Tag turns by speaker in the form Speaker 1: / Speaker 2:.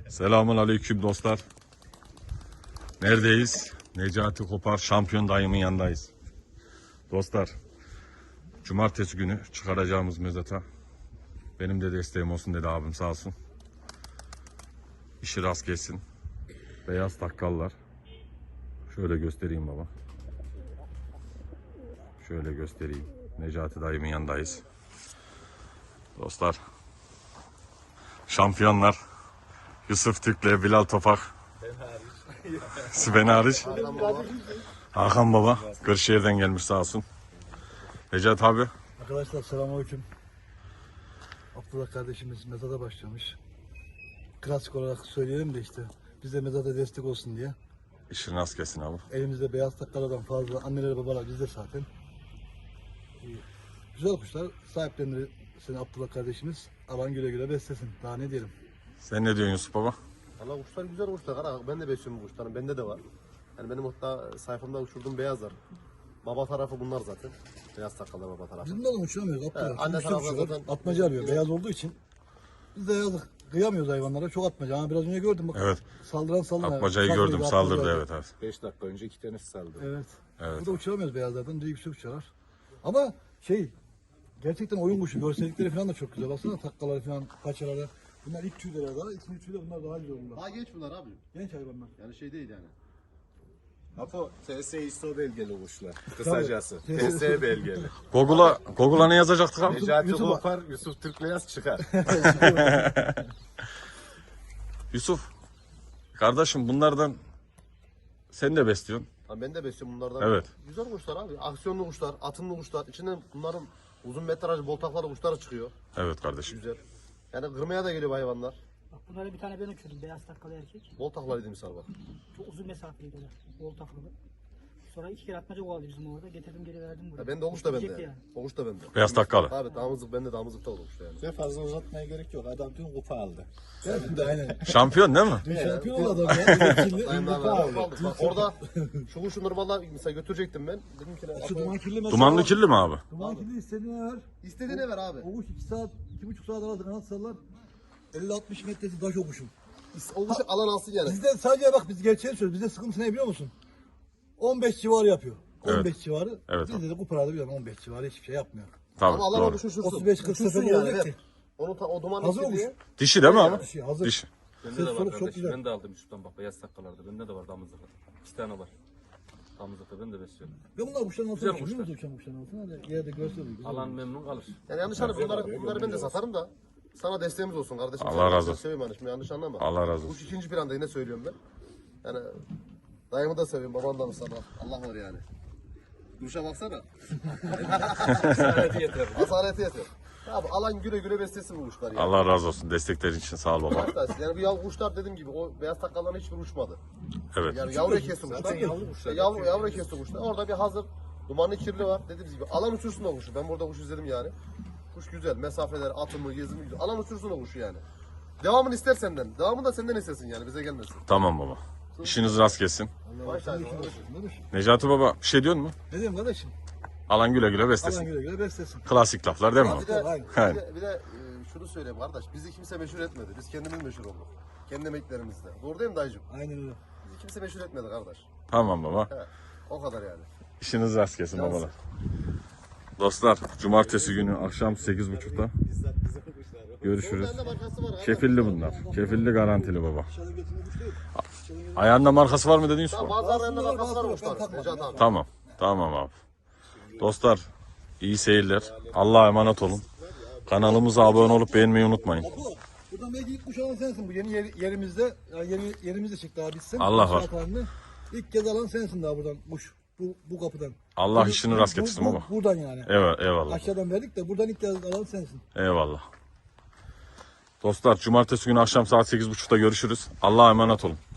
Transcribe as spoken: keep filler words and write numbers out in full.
Speaker 1: Selamun aleyküm dostlar. Neredeyiz? Necati Kopar şampiyon dayımın yanındayız. Dostlar, cumartesi günü çıkaracağımız mezata benim de desteğim olsun dedi abim, sağ olsun. İşi rast gelsin. Beyaz takkallar. Şöyle göstereyim baba. Şöyle göstereyim. Necati dayımın yanındayız. Dostlar, şampiyonlar Yusuf Türk'le Bilal Topak. Ben hariç. Hakan baba Kırşehir'den gelmiş, sağ olsun. Necati abi.
Speaker 2: Arkadaşlar selamünaleyküm. Abdullah kardeşimiz mezada başlamış. Klasik olarak söyleyelim de işte biz de mezada destek olsun diye.
Speaker 1: İşin rast gelsin abi.
Speaker 2: Elimizde beyaz takkalardan fazla anneler babalar bizde zaten. Ee, Güzel kuşlar sahiplenir senin Abdullah kardeşimiz. Alan güle güle beslesin. Daha ne diyelim.
Speaker 1: Sen ne diyorsun Yusuf baba?
Speaker 3: Valla kuşlar güzel kuşlar. Kara, ben de besliyorum bu kuşların. Bende de var. Yani benim hatta sayfamda uçurduğum beyazlar. Baba tarafı bunlar zaten. Beyaz takkalar baba tarafı.
Speaker 2: Bizim de adam uçuramıyoruz Abdullah.
Speaker 3: Evet, anne
Speaker 2: Uçtu
Speaker 3: tarafı
Speaker 2: uçuyor.
Speaker 3: zaten-
Speaker 2: Atmaca arıyor. Beyaz olduğu için. Biz de yazık. Kıyamıyoruz hayvanlara. Çok atmaca. Ama biraz önce gördüm bak.
Speaker 1: Evet.
Speaker 2: Saldıran saldıran.
Speaker 1: Atmacayı
Speaker 2: Saldırıyor,
Speaker 1: gördüm,
Speaker 2: atmaca
Speaker 1: saldırdı,
Speaker 2: arıyor.
Speaker 1: evet evet.
Speaker 3: beş dakika önce iki tanesi saldı.
Speaker 2: Evet.
Speaker 1: Evet.
Speaker 2: Burada uçuramıyoruz beyazlardan. Direkt yüksek uçarlar. Ama şey gerçekten oyun kuşu. Görsellikleri falan da çok güzel. Baksana takkaları falan, paçaları. Bunlar ilk tüyleri daha. İkinci tüyleri bunlar daha güzel bunlar.
Speaker 3: Daha genç bunlar abi.
Speaker 2: Genç hayvanlar.
Speaker 3: Yani şey değil yani.
Speaker 4: Apo, T S I S O belgeli kuşlar. Kısacası.
Speaker 2: Tabii.
Speaker 4: T S belgeli.
Speaker 1: Google'a Google'a ne yazacaktık abi?
Speaker 4: Necati
Speaker 2: YouTube'a-
Speaker 4: Kopar, Yusuf Türkbeyaz çıkar.
Speaker 1: Yusuf, kardeşim bunlardan sen de besliyorsun.
Speaker 3: Ha, ben de besliyorum bunlardan.
Speaker 1: Evet.
Speaker 3: Güzel kuşlar abi. Aksiyonlu kuşlar, atımlı kuşlar. İçinden bunların uzun metraj boltakları kuşları çıkıyor.
Speaker 1: Evet kardeşim.
Speaker 3: Güzel. Yani kırmaya da geliyor bu hayvanlar.
Speaker 5: Bak bunları bir tane ben uçurdum. Beyaz takkalı erkek.
Speaker 3: Boltaklar dediğim misal bak.
Speaker 5: Çok uzun mesafeliydi o da. Bol takılı. Sonra iki kere atmaca kovaldı bizim orada. Getirdim geri verdim buraya.
Speaker 3: Ya ben de o kuş da bende.
Speaker 5: Gidecekti
Speaker 3: Yani.
Speaker 5: yani.
Speaker 3: O kuş da bende.
Speaker 1: Beyaz takkalı.
Speaker 3: Abi damızlık bende damızlıkta olur kuş yani.
Speaker 4: Ve fazla uzatmaya gerek yok. Adam tüm kupa aldı.
Speaker 2: Evet, aynen.
Speaker 1: Şampiyon değil mi?
Speaker 2: Dün şampiyon oldu adam ya. Kirli.
Speaker 3: Dayım
Speaker 4: kupa
Speaker 3: abi,
Speaker 4: aldı.
Speaker 3: aldık. Bak orada şu kuşu normalde mesela götürecektim ben. Dedim ki
Speaker 2: Şu duman kirli mesela.
Speaker 1: Dumanlı kirli mi abi?
Speaker 2: Duman kirli istediğine ver.
Speaker 3: istediğine ver abi.
Speaker 2: O kuş iki saat, iki buçuk saat arası kanat sallar. elli altmış metresi taş o kuşun.
Speaker 3: O kuşu alan alsın yani.
Speaker 2: Bizde sadece bak biz gerçeği söylüyoruz. Bizde sıkıntı ne biliyor musun? on beş civarı yapıyor.
Speaker 1: Evet.
Speaker 2: on beş civarı.
Speaker 1: Evet,
Speaker 2: Bizde de kuparada biliyorum on beş civarı hiçbir şey yapmıyor.
Speaker 1: Tabii
Speaker 3: Ama alan o
Speaker 1: doğru.
Speaker 3: kuşu uçursun.
Speaker 2: otuz beş kırk
Speaker 3: Uçursun
Speaker 2: sefer
Speaker 3: yani,
Speaker 2: olacak
Speaker 3: ver.
Speaker 2: ki.
Speaker 3: Onu ta, o duman
Speaker 2: Hazır
Speaker 3: istediği.
Speaker 2: olmuş.
Speaker 1: Dişi değil mi abi?
Speaker 2: Şey hazır.
Speaker 1: Dişi.
Speaker 6: Bende
Speaker 2: Ses
Speaker 6: de var
Speaker 2: soluk çok
Speaker 6: kardeşim.
Speaker 2: güzel.
Speaker 6: Ben de aldım Yusuf'tan bak beyaz takkalarda. Bende de var damızlıkta. İki tane var. Damızlıkta ben de besliyorum.
Speaker 2: Ben bunlar kuşların altına
Speaker 6: Güzel
Speaker 2: uçuyorum.
Speaker 6: kuşlar.
Speaker 2: Uçan kuşların altına da yerde görsel.
Speaker 6: Alan memnun kalır.
Speaker 3: Yani yanlış anlama bunları, bunları ben de satarım da. Sana desteğimiz olsun kardeşim.
Speaker 1: Allah razı olsun.
Speaker 3: Seviyorum yani şimdi yanlış anlama.
Speaker 1: Allah razı olsun.
Speaker 3: Kuş ikinci planda yine söylüyorum ben. Yani dayımı da seviyorum, baban da mı sana? Allah var yani. Kuşa baksana.
Speaker 6: Hadi yeter.
Speaker 3: Asareti yeter. Abi alan güle güle beslesin bu kuşlar yani.
Speaker 1: Allah razı olsun. Desteklerin için sağ ol baba.
Speaker 3: Arkadaşlar, yani bu yav kuşlar dediğim gibi o beyaz takkaların hiçbir uçmadı.
Speaker 1: Evet.
Speaker 3: Yani yavru kesti kuşlar.
Speaker 4: yavru kuşlar.
Speaker 3: Yavru, yavru kesti kuşlar. Orada bir hazır dumanlı kirli var. Dediğimiz gibi alan uçursun o kuşu. Ben burada kuş izledim yani. Kuş güzel. Mesafeler, atımı, gezimi güzel. Alan uçursun o kuşu yani. Devamını ister senden. Devamını da senden istesin yani. Bize gelmesin.
Speaker 1: Tamam baba. İşiniz rast gelsin.
Speaker 3: Maşallah.
Speaker 1: Necati baba bir şey diyorsun mu?
Speaker 2: Ne diyeyim kardeşim?
Speaker 1: Alan güle güle
Speaker 2: Alan
Speaker 1: beslesin.
Speaker 2: güle güle beslesin.
Speaker 1: Klasik laflar değil mi abi?
Speaker 3: Bir de,
Speaker 2: Aynen.
Speaker 3: bir de, bir de e, şunu söyleyeyim kardeş. Bizi kimse meşhur etmedi. Biz kendimiz meşhur olduk. Kendi emeklerimizle. Doğru değil mi dayıcım?
Speaker 2: Aynen öyle.
Speaker 3: Bizi kimse meşhur etmedi kardeş.
Speaker 1: Tamam baba.
Speaker 3: He. O kadar yani.
Speaker 1: İşiniz rast gelsin babalar. Dostlar, cumartesi günü akşam sekiz buçukta görüşürüz.
Speaker 3: Bende markası var.
Speaker 1: Kefilli bunlar. Kefilli garantili baba.
Speaker 2: Dışarıdan getirme kuş değil.
Speaker 1: Ayağında markası var mı dedin Yusuf?
Speaker 3: Tamam, bazılarında
Speaker 2: Bazıları
Speaker 3: markası var
Speaker 2: var,
Speaker 3: kuşlar.
Speaker 2: ben takmadım
Speaker 3: Necat
Speaker 2: ya.
Speaker 3: abi.
Speaker 1: Tamam. Tamam abi. Dostlar, iyi seyirler. Allah'a emanet olun. Kanalımıza abone olup beğenmeyi unutmayın.
Speaker 2: Bu, buradan belki ilk kuş alan sensin bu yeni yer, yerimizde. Yani yeni yerimizde çıktı daha bitsin.
Speaker 1: Allah var.
Speaker 2: İnşaat halinde. İlk kez alan sensin daha buradan kuş. Bu, bu kapıdan.
Speaker 1: Allah
Speaker 2: Bu-
Speaker 1: işini
Speaker 2: bu-
Speaker 1: rast
Speaker 2: bu-
Speaker 1: getirsin
Speaker 2: bu-
Speaker 1: baba.
Speaker 2: Buradan yani.
Speaker 1: Evet, eyvallah.
Speaker 2: Aşağıdan verdik de buradan ilk kez alan sensin.
Speaker 1: Eyvallah. Dostlar, cumartesi günü akşam saat sekiz buçukta görüşürüz. Allah'a emanet olun.